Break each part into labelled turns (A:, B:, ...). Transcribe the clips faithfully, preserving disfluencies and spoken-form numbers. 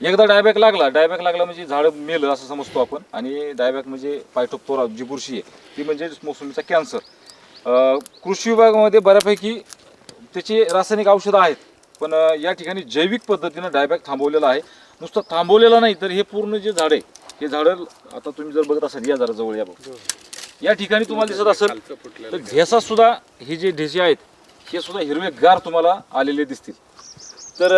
A: एकदा डायबॅक लागला डायबॅक लागला म्हणजे झाड मेलं असं समजतो आपण. आणि डायबॅक म्हणजे फायटोप्थोरा जी बुरशी आहे ती म्हणजे मोसंबीचा कॅन्सर. कृषी विभागामध्ये बऱ्यापैकी त्याची रासायनिक औषधं आहेत, पण या ठिकाणी जैविक पद्धतीनं डायबॅक थांबवलेला आहे. नुसतं थांबवलेलं नाही तर हे पूर्ण जे झाड आहे हे झाडं आता तुम्ही जर बघत असाल या जरा जवळ या बघ, या ठिकाणी तुम्हाला दिसत असेल तर ढेसा सुद्धा हे जे ढेसे आहेत हे सुद्धा हिरवेगार तुम्हाला आलेले दिसतील. तर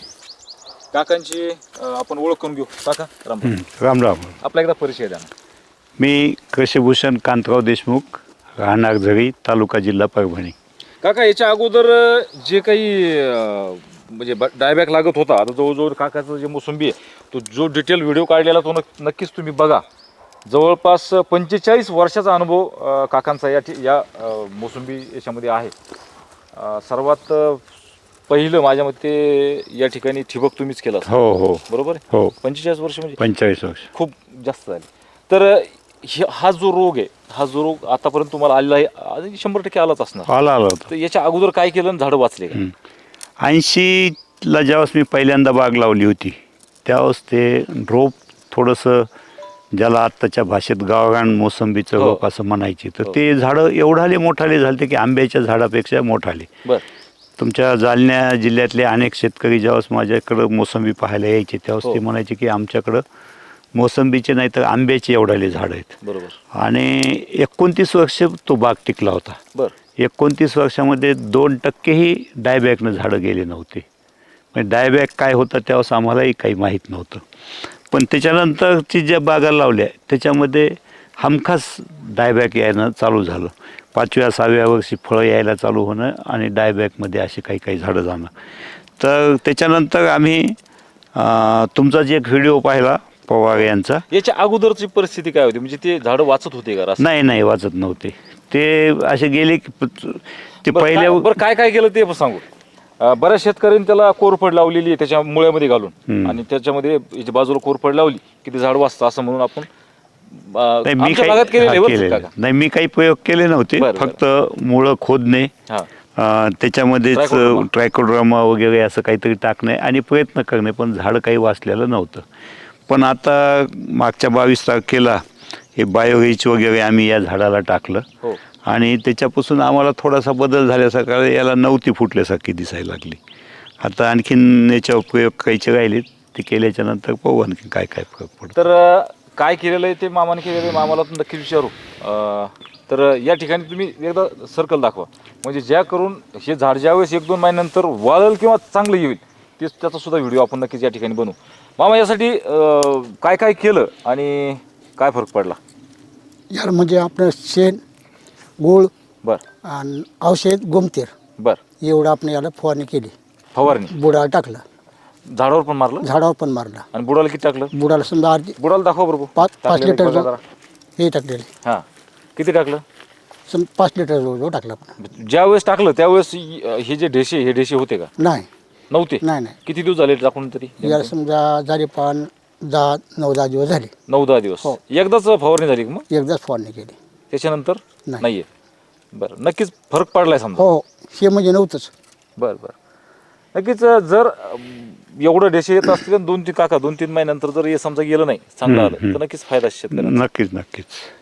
A: काकांची आपण ओळख करून घेऊ. काका राम
B: राम राम.
A: आपला एकदा परिचय द्या ना.
B: मी कृषीभूषण कांतराव देशमुख, राहणार झरी, तालुका जिल्हा परभणी.
A: काका याच्या अगोदर जे काही म्हणजे डायबॅक लागत होता, आता जवळजवळ काकाचं जे मोसंबी आहे तो जो डिटेल व्हिडिओ काढलेला तो नक्कीच तुम्ही बघा. जवळपास पंचेचाळीस वर्षाचा अनुभव काकांचा या या मोसंबी याच्यामध्ये आहे. सर्वात पहिलं माझ्या मते या ठिकाणी ठिबक तुम्हीच केलं.
B: हो हो
A: बरोबर आहे.
B: हो
A: पंचेचाळीस वर्ष म्हणजे
B: पंचेचाळीस वर्ष
A: खूप जास्त झाले. तर हा जो रोग आहे हा जो रोग आतापर्यंत तुम्हाला आलेला आहे शंभर टक्के आलाच असणार.
B: आला आला होता.
A: तर याच्या अगोदर काय केलं आणि झाडं वाचले का?
B: ऐंशीला ज्यावेळेस मी पहिल्यांदा बाग लावली होती त्यावेळेस ते रोप थोडंसं ज्याला आत्ताच्या भाषेत गावरान मोसंबीचं रोप असं म्हणायचे, तर ते झाडं एवढाले मोठाले झाले की आंब्याच्या झाडापेक्षा मोठाले.
A: बरं.
B: तुमच्या जालन्या जिल्ह्यातले अनेक शेतकरी ज्यावेळेस माझ्याकडं मोसंबी पाहायला यायचे त्यावेळेस ते म्हणायचे की आमच्याकडं मोसंबीचे नाही तर आंब्याचे एवढाले झाड आहेत.
A: बरोबर.
B: आणि एकोणतीस वर्ष तो बाग टिकला होता.
A: बरं.
B: एकोणतीस वर्षामध्ये दोन टक्केही डायबॅकनं झाडं गेले नव्हते. म्हणजे डायबॅक काय होतं त्यावेळेस आम्हालाही काही माहीत नव्हतं. पण त्याच्यानंतरची ज्या बागा लावल्या त्याच्यामध्ये हमखास डायबॅक यायनं चालू झालं. पाचव्या सहाव्या वर्षी फळं यायला चालू होणं आणि डायबॅकमध्ये अशी काही काही झाडं जाणं. तर त्याच्यानंतर आम्ही तुमचा जे एक व्हिडिओ पाहिला पवार यांचा,
A: याच्या अगोदरची परिस्थिती काय होती? म्हणजे ते झाडं वाचत होते का?
B: नाही नाही वाचत नव्हते. ते असे गेले की ते पहिल्या
A: बरं काय काय केलं ते सांगू. बऱ्याच शेतकऱ्यांनी त्याला कोरफड लावलेली आहे त्याच्या मुळ्यामध्ये घालून आणि त्याच्यामध्ये बाजूला कोरफड लावली की ते झाड वाचतं असं म्हणून आपण
B: मी काही नाही मी काही प्रयोग केले नव्हते. फक्त मुळं खोदणे, त्याच्यामध्येच ट्रायकोड्रामा वगैरे असं काहीतरी टाकणे आणि प्रयत्न करणे, पण झाड काही वाचलेलं नव्हतं. पण आता मागच्या बावीस तारखेला हे बायोरिच वगैरे आम्ही या झाडाला टाकलं आणि त्याच्यापासून आम्हाला थोडासा बदल झाल्यासारखा, याला नव्हती फुटल्यासारखी दिसायला लागली. आता आणखीन याच्यावर प्रयोग काहीचे राहिले ते केल्याच्या नंतर पाहू आणखी काय काय फरक पडतो.
A: तर काय केलेलं आहे ते मामाने केलेलं आहे मामाला नक्की विचारू. तर या ठिकाणी तुम्ही एकदा सर्कल दाखवा म्हणजे ज्या करून हे झाड ज्यावेळेस एक दोन महिन्यानंतर वाळेल किंवा चांगलं येईल ते त्याचा सुद्धा व्हिडिओ आपण नक्कीच या ठिकाणी बनवू. मामा यासाठी काय काय केलं आणि काय फरक पडला?
C: यार म्हणजे आपलं शेण, गूळ,
A: बरं,
C: आणि औषध, गोमतीर,
A: बरं,
C: एवढं आपण याला फवारणी केली.
A: फवारणी
C: बुडाला टाकलं,
A: झाडावर पण मारलं,
C: झाडावर पण मारलं.
A: आणि बुडाला किती टाकलं?
C: बुडाला समजा अर्धी
A: बुडाला दाखवा बरोबर.
C: पाच पाच लिटर हे टाकलेले.
A: हां किती टाकलं?
C: सम पाच लिटर जवळ टाकलं आपण.
A: ज्या वेळेस टाकलं त्यावेळेस हे जे ढेसे हे ढेसे होते का?
C: नाही
A: नव्हते.
C: नाही नाही
A: किती दिवस झाले टाकून तरी?
C: याला समजा झाले पण दहा नऊ दहा दिवस झाले.
A: नऊ दहा दिवस. एकदाच फवारणी झाली का मग?
C: एकदाच फवारणी केली,
A: त्याच्यानंतर
C: नाही.
A: नाहीये. बरं नक्कीच फरक पडलाय समजा.
C: हो हे म्हणजे नव्हतंच.
A: बरं बरं नक्कीच. जर एवढं डेशे येत असतील दोन तीन काका दोन तीन महिन्यानंतर जर हे समजा गेलं नाही चांगलं आलं तर नक्कीच फायदा शेतकऱ्यांना.
B: नक्कीच नक्कीच.